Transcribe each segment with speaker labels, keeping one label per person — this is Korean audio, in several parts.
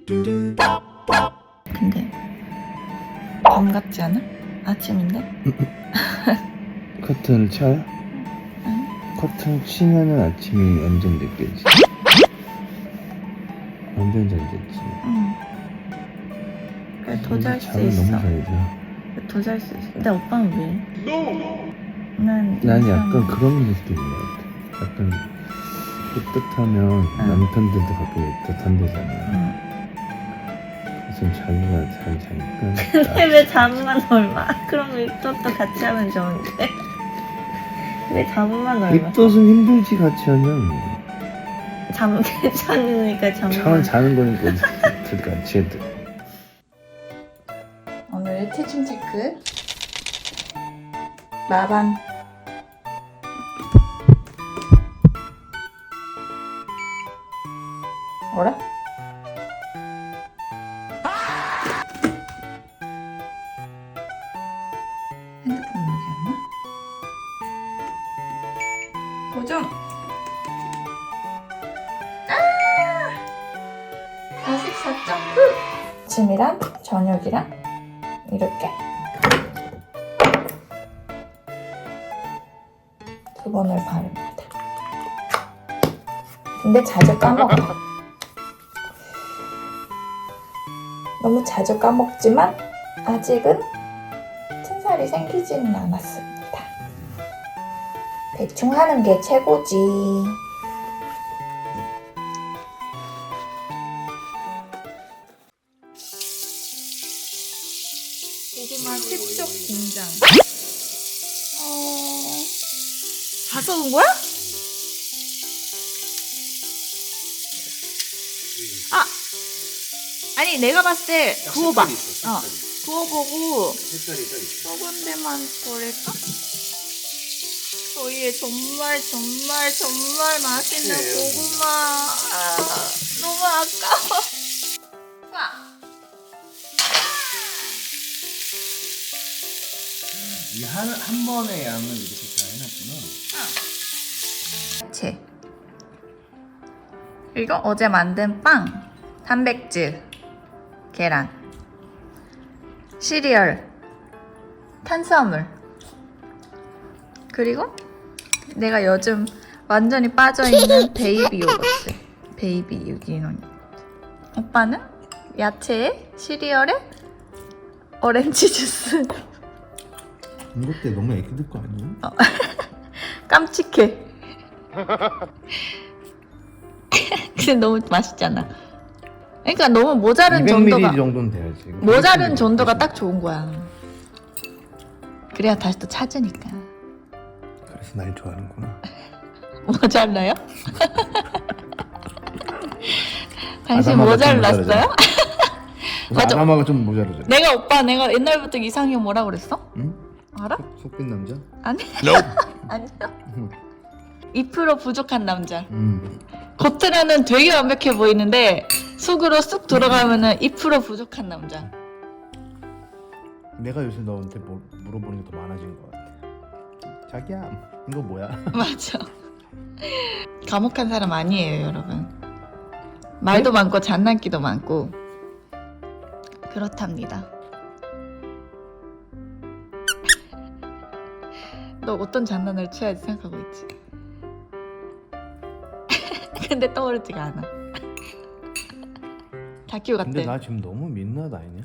Speaker 1: 근데 밤 같지 않아? 아침인데?
Speaker 2: 커튼을 쳐요?
Speaker 1: 응?
Speaker 2: 커튼을 치면은 아침이 완전 느껴지. 완전 잘 됐지.
Speaker 1: 응. 그래 더 잘 수
Speaker 2: 잠을
Speaker 1: 있어.
Speaker 2: 너무 잘 자.
Speaker 1: 더 잘 수 있어. 근데 오빠는 왜? 난
Speaker 2: 약간 그런 느낌인 것 같아. 약간 뿌듯하면 남편들도 가끔 뿌듯한데잖아. 좀 자기가 잘 자니까.
Speaker 1: 근데 왜 잠만 얼마? 그럼 윗도도 같이 하면 좋은데. 왜 잠만 얼마?
Speaker 2: 입덧은 힘들지 같이 하면.
Speaker 1: 잠 괜찮으니까 잠만.
Speaker 2: 자는 거니까 둘 같이 해도.
Speaker 1: 오늘의 체중 체크. 마반. 뭐라? 핸드폰 여기였나? 도전! 44.9! 아침이랑 저녁이랑 이렇게 두 번을 바릅니다. 근데 자주 까먹어. 너무 자주 까먹지만 아직은 튼살이 생기지는 않았습니다. 대충 하는 게 최고지. 고구마 색적 공장. 다 썩은 거야? 아니 내가 봤을 때 구워봐. 구워보고 썩은 데만 버릴까? 저희의 정말 맛있는 고구마. 너무 아까워.
Speaker 2: 이 한 번의 양을 이렇게 다 해놨구나.
Speaker 1: 채. 그리고 어제 만든 빵, 단백질, 계란, 시리얼, 탄수화물. 그리고 내가 요즘 완전히 빠져있는 베이비 요거트. 베이비 유기농. 오빠는 야채에 시리얼에 오렌지 주스.
Speaker 2: 이것도 너무 애기들 거 아니야?
Speaker 1: 깜찍해. 근데 너무 맛있잖아. 그러니까 너무 모자른
Speaker 2: 200ml
Speaker 1: 정도가
Speaker 2: 정도는 돼야지.
Speaker 1: 모자른 정도가 딱 좋은 거야. 그래야 다시 또 찾으니까.
Speaker 2: 그래서 날 좋아하는구나.
Speaker 1: 모자라요? 당신
Speaker 2: 아담하가
Speaker 1: 모자랐어요? 맞아.
Speaker 2: 아담하가 좀 모자르죠.
Speaker 1: 내가 옛날부터 이상형 뭐라 그랬어?
Speaker 2: 응?
Speaker 1: 알아?
Speaker 2: 속빈 남자?
Speaker 1: 아니. 아니요. 2% 부족한 남자. 겉으로는 되게 완벽해 보이는데 속으로 쑥 들어가면은 2% 부족한 남자.
Speaker 2: 내가 요새 너한테 물어보는 게 더 많아진 것 같아. 자기야, 이거 뭐야?
Speaker 1: 맞아. 과묵한 사람 아니에요, 여러분. 말도 많고 장난기도 많고 그렇답니다. 너 어떤 장난을 쳐야지 생각하고 있지? 근데 떠오르지가 않아. 다큐 같아.
Speaker 2: 근데 나 지금 너무 민낯 아니냐?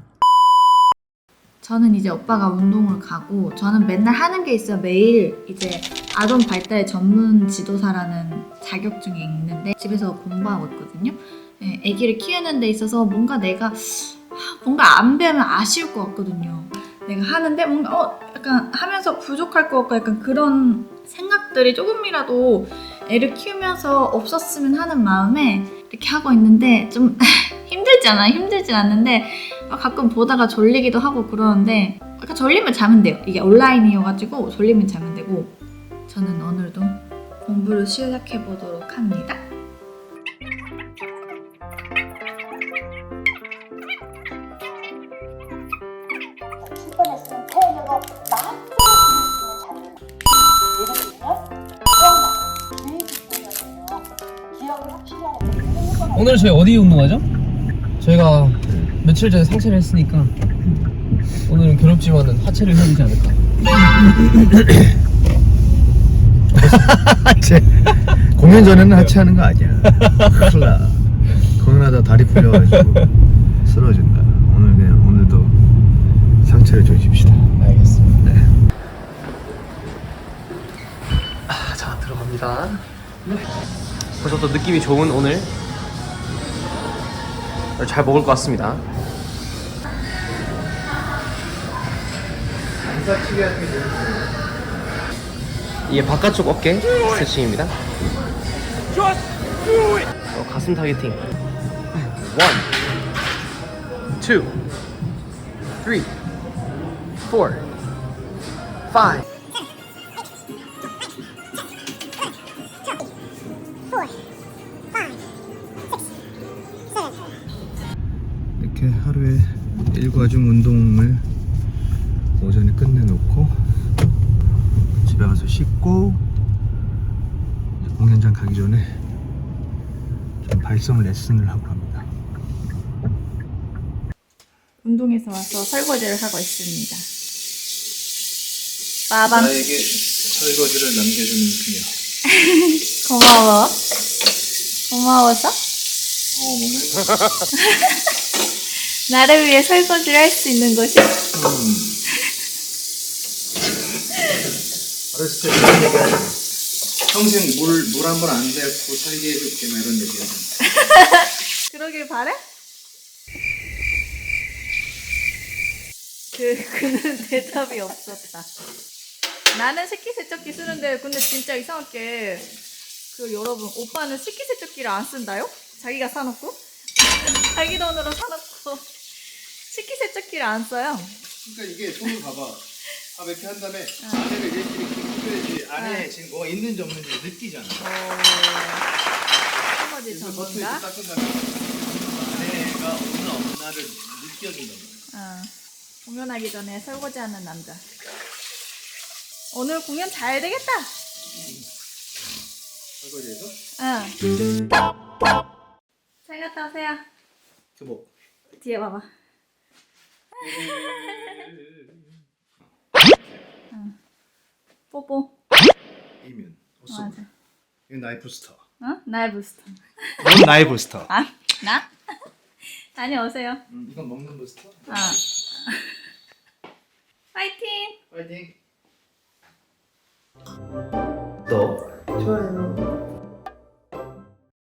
Speaker 1: 저는 이제 오빠가 운동을 가고 저는 맨날 하는 게 있어요. 매일 이제 아동 발달 전문 지도사라는 자격증이 있는데 집에서 공부하고 있거든요. 네, 아기를 키우는 데 있어서 뭔가 내가 안 배우면 아쉬울 것 같거든요. 내가 하는데 뭔가 약간 하면서 부족할 것 같고 약간 그런 생각들이 조금이라도 애를 키우면서 없었으면 하는 마음에 이렇게 하고 있는데 좀 힘들진 않는데 가끔 보다가 졸리기도 하고 그러는데 약간 졸리면 자면 돼요. 이게 온라인이어가지고 졸리면 자면 되고 저는 오늘도 공부를 시작해 보도록 합니다.
Speaker 3: 출판했으면 태연이가 나한테 예를 들면 기억나, 기획 기능이었네요. 기억을 확실히 하는 게
Speaker 4: 오늘 저희 어디 운동하죠?
Speaker 3: 저희가 며칠 전에 상체를 했으니까 오늘은 괴롭지만은 하체를 해야 되지 않을까.
Speaker 2: 하체. 공연 전에는 하체하는 거 아니야. 큰일 나. 공연하다 다리 풀려가지고 쓰러진다. 오늘도 상체를 조십시다.
Speaker 3: 알겠습니다. 자, 들어갑니다. 벌써 또 느낌이 좋은 오늘 잘 먹을 것 같습니다. 이게 바깥쪽 어깨 스트레칭입니다. 가슴 타겟팅. 1, 2, 3, 4, 5.
Speaker 2: 이렇게 하루에 일과중 운동을 오전에 끝내놓고 집에 가서 씻고 이제 공연장 가기 전에 좀 발성 레슨을 하고 합니다.
Speaker 1: 운동에서 와서 설거지를 하고 있습니다. 빠밤.
Speaker 2: 나에게 설거지를 남겨주는 그녀.
Speaker 1: 고마워. 고마워서?
Speaker 2: 먹는
Speaker 1: 나를 위해 설거지를 할 수 있는 것이?
Speaker 2: 어렸을 때 그런 얘기 하잖아. 평생 물 한 번 안 뱉고 살게 해줄게 막 이런 얘기 하잖아.
Speaker 1: 그러길 바래? 그는 대답이 없었다. 나는 식기세척기 쓰는데 근데 진짜 이상하게 여러분 오빠는 식기세척기를 안 쓴다요? 자기가 사놓고 자기 돈으로 사놓고 식기세척기를 안 써요.
Speaker 2: 그러니까 이게 손을 봐봐. 밥 이렇게 한 다음에 안에를 이렇게 끓여야지 안에 지금 뭐가 있는지 없는지 느끼잖아.
Speaker 1: 설거지
Speaker 2: 그래서 버터 이렇게
Speaker 1: 전문가.
Speaker 2: 닦은 다음에 안에가 없나 없나를 느껴준단 말이야.
Speaker 1: 공연하기 전에 설거지하는 남자. 오늘 공연 잘 되겠다.
Speaker 2: 설거지해서
Speaker 1: 응. 잘 갔다 오세요.
Speaker 2: 교복.
Speaker 1: 뒤에 봐봐. 뽀뽀.
Speaker 2: 이면
Speaker 1: 맞아.
Speaker 2: 이건 나이 부스터.
Speaker 1: 어? 나의 부스터.
Speaker 2: 이건 나이 부스터.
Speaker 1: 아? 나? 다녀오세요.
Speaker 2: 이건 먹는 부스터.
Speaker 1: 아. 파이팅!
Speaker 2: 파이팅.
Speaker 3: 또 좋아요.